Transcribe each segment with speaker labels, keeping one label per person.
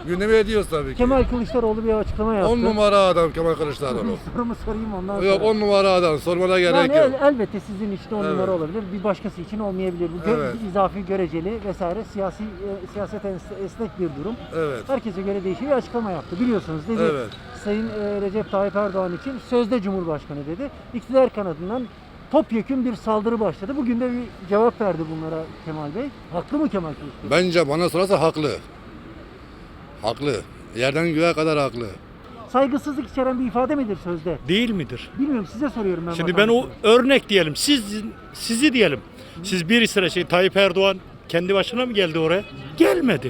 Speaker 1: Gündeme ediyoruz tabii ki.
Speaker 2: Kemal Kılıçdaroğlu bir açıklama yaptı.
Speaker 1: 10 numara adam Kemal Kılıçdaroğlu.
Speaker 2: Sorumu sorayım ondan sonra.
Speaker 1: Yok 10 numara adam. Sormana gerek
Speaker 2: Yani
Speaker 1: yok.
Speaker 2: elbette sizin için 10
Speaker 1: Evet.
Speaker 2: numara olabilir. Bir başkası için olmayabilir. Bu
Speaker 1: Evet.
Speaker 2: izafi, göreceli vesaire siyaset esnek bir durum.
Speaker 1: Evet.
Speaker 2: Herkese göre değişiyor. Bir açıklama yaptı. Biliyorsunuz dedi.
Speaker 1: Evet.
Speaker 2: Sayın Recep Tayyip Erdoğan için sözde Cumhurbaşkanı dedi. İktidar kanadından topyekün bir saldırı başladı. Bugün de bir cevap verdi bunlara Kemal Bey. Haklı mı Kemal Kılıçdaroğlu?
Speaker 1: Bence bana sorarsa haklı. Haklı. Yerden göğe kadar haklı.
Speaker 2: Saygısızlık içeren bir ifade midir sözde?
Speaker 3: Değil midir?
Speaker 2: Bilmiyorum, size soruyorum ben.
Speaker 3: Şimdi ben o örnek diyelim. Sizi diyelim. Siz bir sıra Tayyip Erdoğan kendi başına mı geldi oraya? Gelmedi.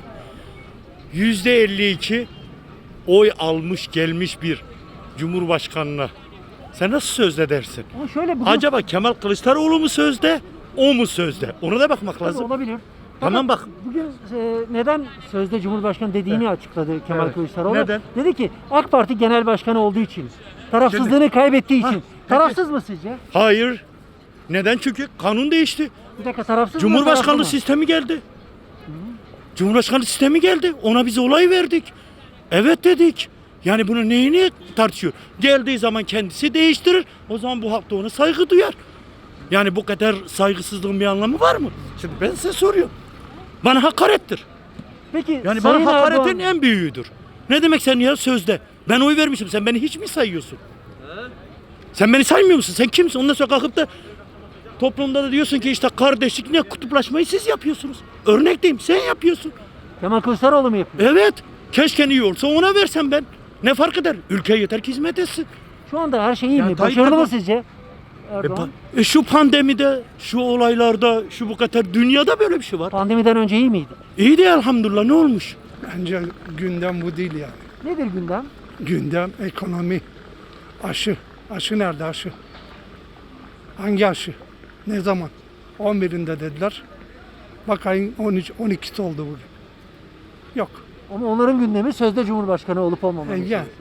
Speaker 3: %52 oy almış gelmiş bir cumhurbaşkanına. Sen nasıl sözde dersin?
Speaker 2: Ama şöyle bugün
Speaker 3: Acaba Kemal Kılıçdaroğlu mu sözde, o mu sözde? Ona da bakmak
Speaker 2: tabii
Speaker 3: lazım.
Speaker 2: olabilir.
Speaker 3: Tamam bak.
Speaker 2: Bugün neden sözde Cumhurbaşkanı dediğini açıkladı Kemal
Speaker 3: Evet.
Speaker 2: Kılıçdaroğlu.
Speaker 3: Neden?
Speaker 2: Dedi ki AK Parti Genel Başkanı olduğu için, tarafsızlığını kaybettiği için. Tarafsız mı sizce?
Speaker 3: Hayır. Neden? Çünkü kanun değişti.
Speaker 2: Bir dakika, tarafsız mı?
Speaker 3: Cumhurbaşkanlığı
Speaker 2: taraflı mı?
Speaker 3: sistemi geldi. Cumhurbaşkanlığı sistemi geldi. Ona biz olay verdik. Evet dedik. Yani bunu neyini tartışıyor? Geldiği zaman kendisi değiştirir. O zaman bu halk da ona saygı duyar. Yani bu kadar saygısızlığın bir anlamı var mı? Şimdi ben size soruyorum. Bana hakarettir.
Speaker 2: Peki
Speaker 3: Yani
Speaker 2: Sayın
Speaker 3: bana hakaretin
Speaker 2: Erdoğan,
Speaker 3: en büyüğüdür. Ne demek sen ya sözde? Ben oy vermişim. Sen beni hiç mi sayıyorsun? Sen beni saymıyor musun? Sen kimsin? Ondan sonra kalkıp da toplumda da diyorsun ki işte kardeşlik ne, kutuplaşmayı siz yapıyorsunuz. Örnek diyeyim, sen yapıyorsun.
Speaker 2: Kemal Kılıçdaroğlu mu yapıyor?
Speaker 3: Evet. Keşke iyi olsa ona versem ben. Ne fark eder? Ülkeye yeter ki hizmet etsin.
Speaker 2: Şu anda her şey iyi
Speaker 3: Yani
Speaker 2: mi?
Speaker 3: Tayyip
Speaker 2: Başarılı mı
Speaker 3: Erdoğan-
Speaker 2: sizce Erdoğan?
Speaker 3: Şu pandemide, şu olaylarda, şu bu kadar dünyada böyle bir şey var.
Speaker 2: Pandemiden önce iyi miydi?
Speaker 3: İyi de elhamdülillah, ne olmuş?
Speaker 4: Bence gündem bu değil yani.
Speaker 2: Nedir gündem?
Speaker 4: Gündem ekonomi, aşı. Aşı nerede aşı? Hangi aşı? Ne zaman? 11'inde dediler. Bak ayın 12'si oldu bugün. Yok.
Speaker 2: Ama onların gündemi sözde Cumhurbaşkanı olup olmaması.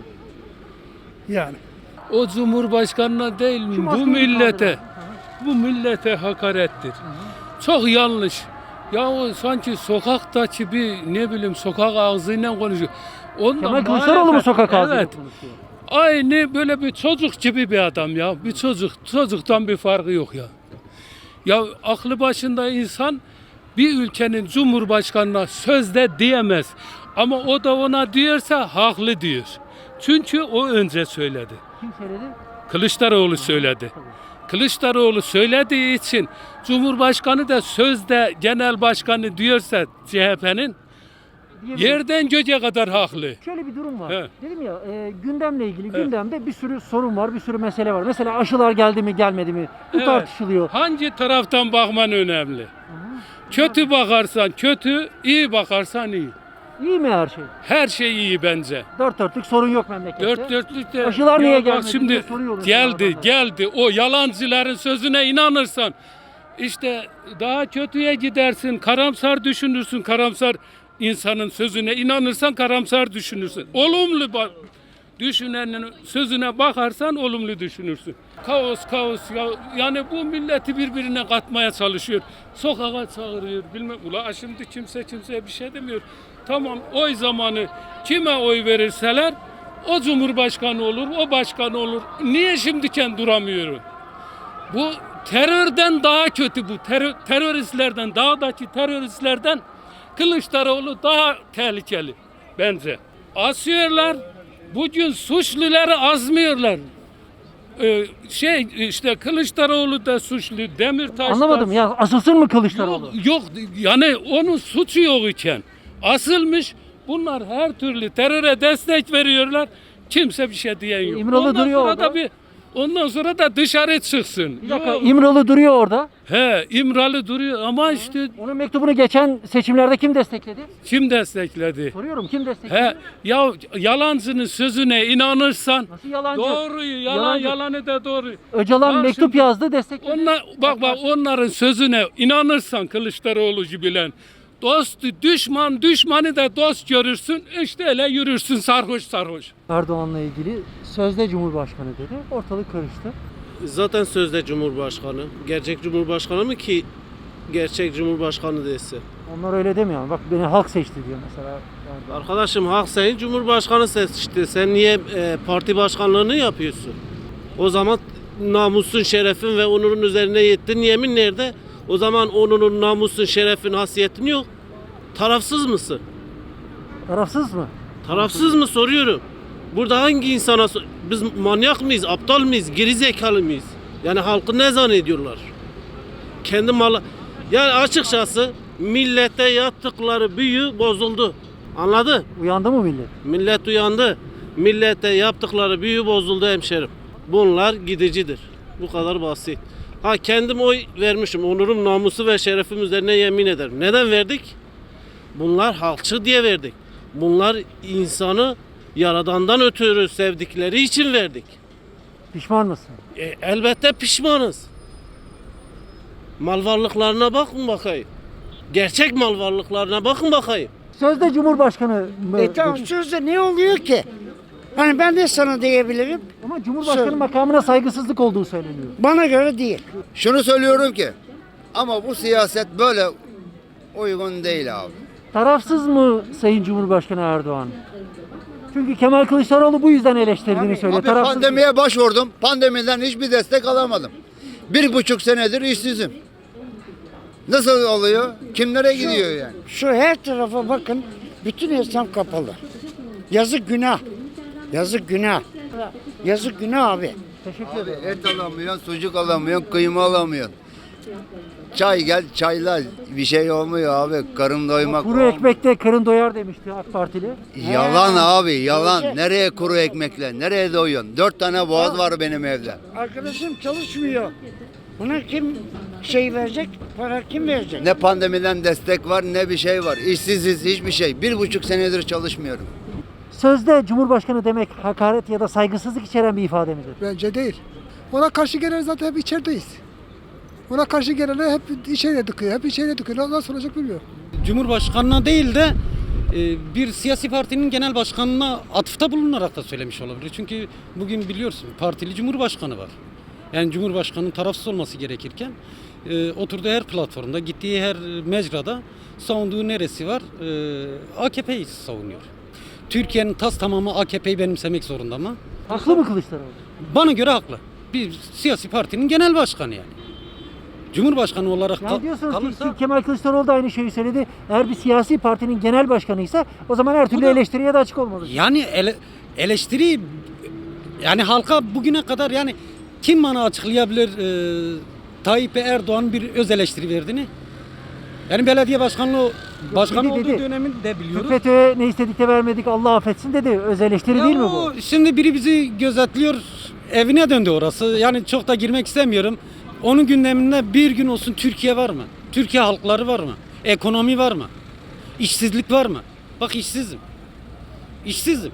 Speaker 4: Yani.
Speaker 5: O Cumhurbaşkanına değil
Speaker 2: Şu
Speaker 5: bu
Speaker 2: maskeyi
Speaker 5: millete,
Speaker 2: kaldırın.
Speaker 5: bu millete hakarettir. Çok yanlış. Ya o sanki sokaktaki bir ne bileyim sokak ağzıyla konuşuyor. Ondan
Speaker 2: Kemal Kılıçdaroğlu mu
Speaker 5: muhalefet-
Speaker 2: sokak ağzıyla
Speaker 5: Evet.
Speaker 2: konuşuyor?
Speaker 5: Aynı böyle bir çocuk gibi bir adam ya. Bir çocuktan bir farkı yok ya. Ya aklı başında insan bir ülkenin cumhurbaşkanına sözde diyemez. Ama o da ona diyorsa haklı diyor. Çünkü o önce söyledi.
Speaker 2: Kim söyledi?
Speaker 5: Kılıçdaroğlu söyledi. Kılıçdaroğlu söylediği için Cumhurbaşkanı da sözde genel başkanı diyorsa CHP'nin
Speaker 2: Diyebilirim.
Speaker 5: yerden göce kadar haklı.
Speaker 2: Şöyle bir durum var.
Speaker 5: Evet.
Speaker 2: Dedim ya gündemle ilgili gündemde bir sürü sorun var, bir sürü mesele var. Mesela aşılar geldi mi gelmedi mi? Bu
Speaker 5: Evet.
Speaker 2: tartışılıyor.
Speaker 5: Hangi taraftan bakman önemli? Kötü bakarsan kötü, iyi bakarsan iyi.
Speaker 2: İyi mi her şey?
Speaker 5: Her şey iyi bence.
Speaker 2: Dört dörtlük sorun yok memlekette.
Speaker 5: Dört dörtlük de
Speaker 2: Aşılar niye
Speaker 5: Ya bak
Speaker 2: gelmedi
Speaker 5: şimdi
Speaker 2: diye soruyor mesela adamlar.
Speaker 5: geldi. O yalancıların sözüne inanırsan işte daha kötüye gidersin. Karamsar düşünürsün. Karamsar insanın sözüne inanırsan karamsar düşünürsün. Olumlu düşünenin sözüne bakarsan olumlu düşünürsün. Kaos ya, yani bu milleti birbirine katmaya çalışıyor. Sokağa çağırıyor bilmem. Ula şimdi kimseye bir şey demiyor. Tamam oy zamanı kime oy verirseler o cumhurbaşkanı olur, o başkan olur. Niye şimdiken duramıyor? Bu terörden daha kötü bu. Teröristlerden, dağdaki teröristlerden Kılıçdaroğlu daha tehlikeli bence. Asıyorlar. Bugün suçluları azmıyorlar. İşte Kılıçdaroğlu da suçlu, Demirtaş da
Speaker 2: Anlamadım ya, asılsın mı Kılıçdaroğlu?
Speaker 5: Yok yani onun suçu yok iken asılmış. Bunlar her türlü teröre destek veriyorlar. Kimse bir şey diyen yok.
Speaker 2: İmralı duruyor orada.
Speaker 5: Ondan sonra da dışarı çıksın.
Speaker 2: Bir dakika,
Speaker 5: Yok.
Speaker 2: İmralı duruyor orada.
Speaker 5: He, İmralı duruyor ama işte
Speaker 2: Onun mektubunu geçen seçimlerde kim destekledi?
Speaker 5: kim destekledi?
Speaker 2: Soruyorum, kim destekledi?
Speaker 5: He, ya yalancının sözüne inanırsan
Speaker 2: Nasıl yalancı?
Speaker 5: doğruyu,
Speaker 2: Yalancı.
Speaker 5: yalanı da doğru.
Speaker 2: Öcalan
Speaker 5: Bak
Speaker 2: mektup
Speaker 5: şimdi-
Speaker 2: yazdı, destekledi.
Speaker 5: Bak onların sözüne inanırsan Kılıçdaroğlu bilen dostu düşmanı da dost görürsün işte öyle yürürsün sarhoş.
Speaker 2: Erdoğan'la ilgili sözde Cumhurbaşkanı dedi. Ortalık karıştı.
Speaker 6: Zaten sözde Cumhurbaşkanı. Gerçek Cumhurbaşkanı mı ki gerçek Cumhurbaşkanı dese?
Speaker 2: Onlar öyle demiyor. Bak beni halk seçti diyor mesela. Erdoğan?
Speaker 6: Arkadaşım hak senin, Cumhurbaşkanı seçti. Sen niye parti başkanlığını yapıyorsun? O zaman namusun, şerefin ve onurun üzerine yettin. Yemin nerede? O zaman onurun, namusun, şerefin, hasiyetin yok. Tarafsız mısın?
Speaker 2: Tarafsız mı?
Speaker 6: Tarafsız mı soruyorum. Burada hangi insana biz manyak mıyız, aptal mıyız, gerizekalı mıyız? Yani halkı ne zannediyorlar? Kendi malı. Yani açıkçası millete yaptıkları büyü bozuldu. Anladı?
Speaker 2: Uyandı mı millet?
Speaker 6: Millet uyandı. Millete yaptıkları büyü bozuldu hemşerim. Bunlar gidicidir. Bu kadar basit. Ha kendim oy vermişim. Onurum, namusu ve şerefim üzerine yemin ederim. Neden verdik? Bunlar halkçı diye verdik. Bunlar insanı Yaradan'dan ötürü sevdikleri için verdik.
Speaker 2: Pişman mısın?
Speaker 6: Elbette pişmanız. Mal varlıklarına bakın bakayım. Gerçek mal varlıklarına bakın bakayım.
Speaker 2: Sözde Cumhurbaşkanı mı?
Speaker 7: Tamam sözde ne oluyor ki? Hani ben de sana diyebilirim.
Speaker 2: Ama Cumhurbaşkanı makamına saygısızlık olduğu söyleniyor.
Speaker 7: Bana göre değil.
Speaker 8: Şunu söylüyorum ki ama bu siyaset böyle uygun değil abi.
Speaker 2: Tarafsız mı Sayın Cumhurbaşkanı Erdoğan? Çünkü Kemal Kılıçdaroğlu bu yüzden eleştirdiğini söylüyor.
Speaker 8: Abi
Speaker 2: Tarafsız
Speaker 8: pandemiye başvurdum. Pandemiden hiçbir destek alamadım. 1,5 senedir işsizim. Nasıl oluyor? Kimlere gidiyor yani?
Speaker 7: Şu her tarafa bakın. Bütün esnaf kapalı. Yazık günah. Yazık günah. Yazık günah abi.
Speaker 2: Teşekkür
Speaker 8: Abi
Speaker 2: ederim.
Speaker 8: et alamıyorsun, sucuk alamıyorsun, kıyma alamıyorsun. Çay gel çayla bir şey olmuyor abi. Karın doymak.
Speaker 2: Kuru ekmekte karın doyar demişti AK Partili.
Speaker 8: Yalan abi yalan. Nereye kuru ekmekle? Nereye doyuyorsun? 4 tane boğaz var benim evde.
Speaker 7: Arkadaşım çalışmıyor. Buna kim şey verecek? Para kim verecek?
Speaker 8: Ne pandemiden destek var ne bir şey var. İşsiziz hiçbir şey. 1,5 senedir çalışmıyorum.
Speaker 2: Sözde Cumhurbaşkanı demek hakaret ya da saygısızlık içeren bir ifade midir?
Speaker 4: Bence değil. Ona karşı gelen zaten hep içerideyiz. Ona karşı gelenler hep içeriye dıkıyor. Hep içeriye dıkıyor. Nasıl olacak bilmiyorum.
Speaker 9: Cumhurbaşkanına değil de bir siyasi partinin genel başkanına atıfta bulunarak da söylemiş olabilir. Çünkü bugün biliyorsun partili cumhurbaşkanı var. Yani cumhurbaşkanının tarafsız olması gerekirken oturduğu her platformda, gittiği her mecrada savunduğu neresi var? AKP'yi savunuyor. Türkiye'nin tas tamamı AKP'yi benimsemek zorunda mı?
Speaker 2: Haklı mı Kılıçdaroğlu?
Speaker 9: Bana göre haklı. Bir siyasi partinin genel başkanı yani. Cumhurbaşkanı olarak
Speaker 2: Yani diyorsunuz
Speaker 9: kalırsa...
Speaker 2: ki Kemal Kılıçdaroğlu da aynı şeyi söyledi. Eğer bir siyasi partinin genel başkanıysa o zaman her türlü eleştiriye de açık olmalı.
Speaker 9: Yani eleştiri yani halka bugüne kadar yani kim bana açıklayabilir Tayyip Erdoğan bir öz eleştiri verdiğini? Yani belediye başkanlığı başkan olduğu
Speaker 2: dedi.
Speaker 9: dönemini de biliyoruz.
Speaker 2: FETÖ'ye ne istedik de vermedik Allah affetsin dedi. Öz eleştiri değil mi bu?
Speaker 9: Şimdi biri bizi gözetliyor, evine döndü orası. Yani çok da girmek istemiyorum. Onun gündeminde bir gün olsun Türkiye var mı? Türkiye halkları var mı? Ekonomi var mı? İşsizlik var mı? Bak işsizim. İşsizim.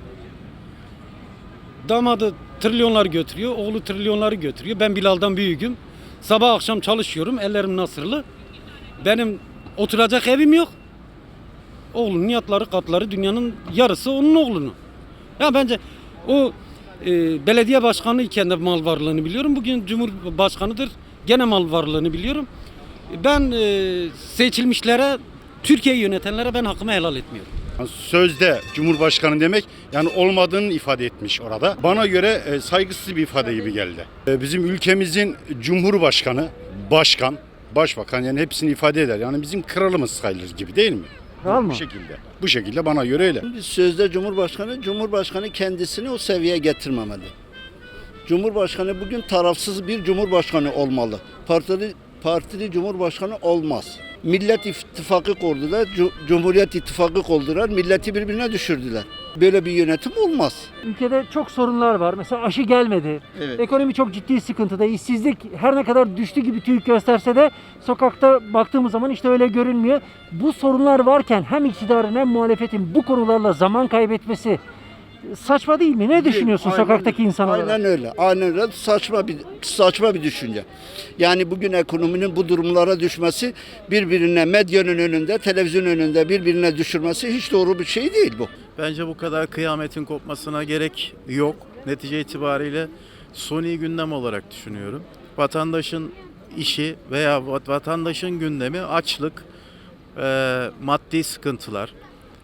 Speaker 9: Damadı trilyonlar götürüyor, oğlu trilyonları götürüyor. Ben Bilal'dan büyüğüm. Sabah akşam çalışıyorum, ellerim nasırlı. Benim oturacak evim yok. Oğlunun yatları, katları dünyanın yarısı onun oğlunun. Ya bence o belediye başkanı iken de mal varlığını biliyorum. Bugün Cumhurbaşkanıdır. Gene mal varlığını biliyorum. Ben seçilmişlere, Türkiye'yi yönetenlere ben hakkımı helal etmiyorum.
Speaker 10: Sözde Cumhurbaşkanı demek yani olmadığını ifade etmiş orada. Bana göre saygısız bir ifade gibi geldi. Bizim ülkemizin Cumhurbaşkanı, başkan, başbakan yani hepsini ifade eder. Yani bizim kralımız sayılır gibi değil mi?
Speaker 2: Kral mı?
Speaker 10: Bu şekilde. Bu şekilde bana göre öyle.
Speaker 11: Sözde Cumhurbaşkanı kendisini o seviyeye getirmemeli. Cumhurbaşkanı bugün tarafsız bir cumhurbaşkanı olmalı. Partili cumhurbaşkanı olmaz. Millet İttifakı kurdular, Cumhuriyet İttifakı kurdular, milleti birbirine düşürdüler. Böyle bir yönetim olmaz.
Speaker 2: Ülkede çok sorunlar var. Mesela aşı gelmedi.
Speaker 11: Evet.
Speaker 2: Ekonomi çok ciddi sıkıntıda. İşsizlik her ne kadar düştü gibi TÜİK gösterse de sokakta baktığımız zaman işte öyle görünmüyor. Bu sorunlar varken hem iktidarın hem muhalefetin bu konularla zaman kaybetmesi saçma değil mi? Ne düşünüyorsun
Speaker 11: Aynen-
Speaker 2: sokaktaki insan olarak?
Speaker 11: Aynen öyle. Aynen öyle. Saçma bir düşünce. Yani bugün ekonominin bu durumlara düşmesi, birbirine medyanın önünde, televizyon önünde birbirine düşürmesi hiç doğru bir şey değil bu.
Speaker 12: Bence bu kadar kıyametin kopmasına gerek yok. Netice itibariyle suni gündem olarak düşünüyorum. Vatandaşın işi veya vatandaşın gündemi açlık, maddi sıkıntılar,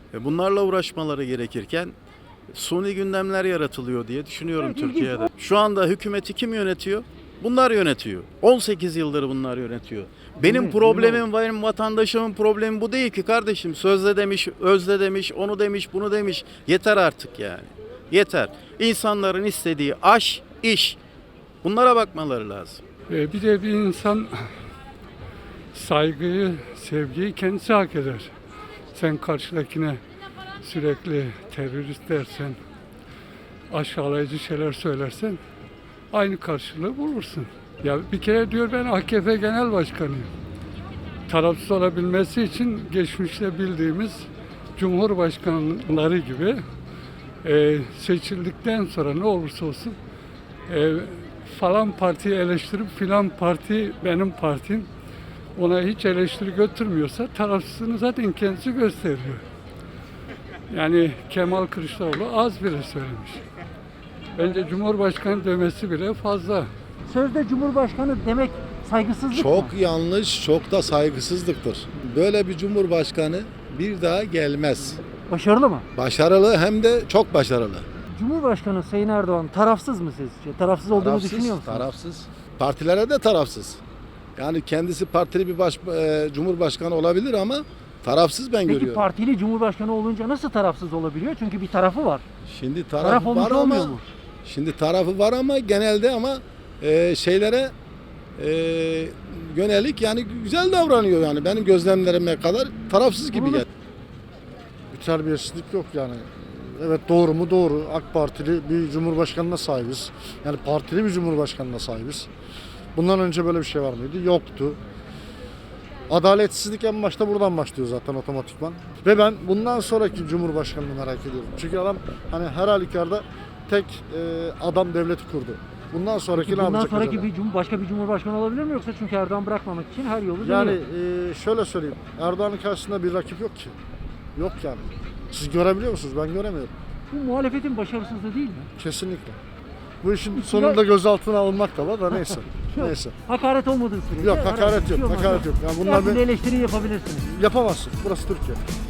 Speaker 12: Bunlarla uğraşmaları gerekirken suni gündemler yaratılıyor diye düşünüyorum
Speaker 2: Evet, ilginç.
Speaker 12: Türkiye'de. Şu anda hükümeti kim yönetiyor? Bunlar yönetiyor. 18 yıldır bunlar yönetiyor. Benim
Speaker 2: mi?
Speaker 12: problemim, benim vatandaşımın problemi bu değil ki kardeşim. Sözde demiş, özde demiş, onu demiş, bunu demiş. Yeter artık yani. Yeter. İnsanların istediği aş, iş. Bunlara bakmaları lazım.
Speaker 5: Bir de bir insan saygıyı, sevgiyi kendisi hak eder. Sen karşıdakine sürekli terörist dersen, aşağılayıcı şeyler söylersen aynı karşılığı bulursun. Ya bir kere diyor ben AKP Genel Başkanıyım. Tarafsız olabilmesi için geçmişte bildiğimiz Cumhurbaşkanları gibi seçildikten sonra ne olursa olsun falan partiyi eleştirip filan parti benim partim ona hiç eleştiri götürmüyorsa tarafsızlığını zaten kendisi gösteriyor. Yani Kemal Kılıçdaroğlu az bile söylemiş. Bence Cumhurbaşkanı demesi bile fazla.
Speaker 2: Sözde Cumhurbaşkanı demek saygısızlık mı?
Speaker 13: Çok yanlış, çok da saygısızlıktır. Böyle bir cumhurbaşkanı bir daha gelmez.
Speaker 2: Başarılı mı?
Speaker 13: Başarılı hem de çok başarılı.
Speaker 2: Cumhurbaşkanı Sayın Erdoğan tarafsız mı sizce? Tarafsız olduğunu düşünüyor musunuz?
Speaker 13: Tarafsız. Partilere de tarafsız. Yani kendisi partili bir cumhurbaşkanı olabilir ama tarafsız ben
Speaker 2: Peki
Speaker 13: görüyorum.
Speaker 2: partili Cumhurbaşkanı olunca nasıl tarafsız olabiliyor? Çünkü bir tarafı var.
Speaker 13: Şimdi
Speaker 2: Taraf
Speaker 13: tarafı
Speaker 2: olmuş
Speaker 13: var
Speaker 2: olmuyor
Speaker 13: ama
Speaker 2: mu?
Speaker 13: şimdi tarafı var ama genelde ama şeylere yönelik yani güzel davranıyor yani benim gözlemlerime kadar tarafsız gibi geldi.
Speaker 14: Bir terbiyesizlik yok yani. Evet doğru mu? Doğru. AK Partili bir cumhurbaşkanına sahibiz. Yani partili bir cumhurbaşkanına sahibiz. Bundan önce böyle bir şey var mıydı? Yoktu. Adaletsizlik en başta buradan başlıyor zaten otomatikman. Ve ben bundan sonraki cumhurbaşkanını merak ediyorum. Çünkü adam hani her halükarda tek adam devleti kurdu. Bundan sonraki
Speaker 2: Peki
Speaker 14: ne
Speaker 2: bundan
Speaker 14: yapacak
Speaker 2: sonraki
Speaker 14: acaba?
Speaker 2: başka bir cumhurbaşkanı olabilir mi yoksa çünkü Erdoğan bırakmamak için her yolu
Speaker 14: Yani
Speaker 2: deniyor.
Speaker 14: şöyle söyleyeyim. Erdoğan'ın karşısında bir rakip yok ki. Yok yani. Siz görebiliyor musunuz? Ben göremiyorum.
Speaker 2: Bu muhalefetin başarısızlığı değil mi?
Speaker 14: Kesinlikle. Bu işin sonunda gözaltına alınmak da var da neyse. Neyse.
Speaker 2: Hakaret olmadığı sürece.
Speaker 14: Yok
Speaker 2: herhangi bir
Speaker 14: hakaret
Speaker 2: şey
Speaker 14: yok.
Speaker 2: olmaz.
Speaker 14: Hakaret yok. Yani
Speaker 2: Her
Speaker 14: bunlar
Speaker 2: türlü eleştiri yapabilirsiniz.
Speaker 14: yapamazsın. Burası Türkiye.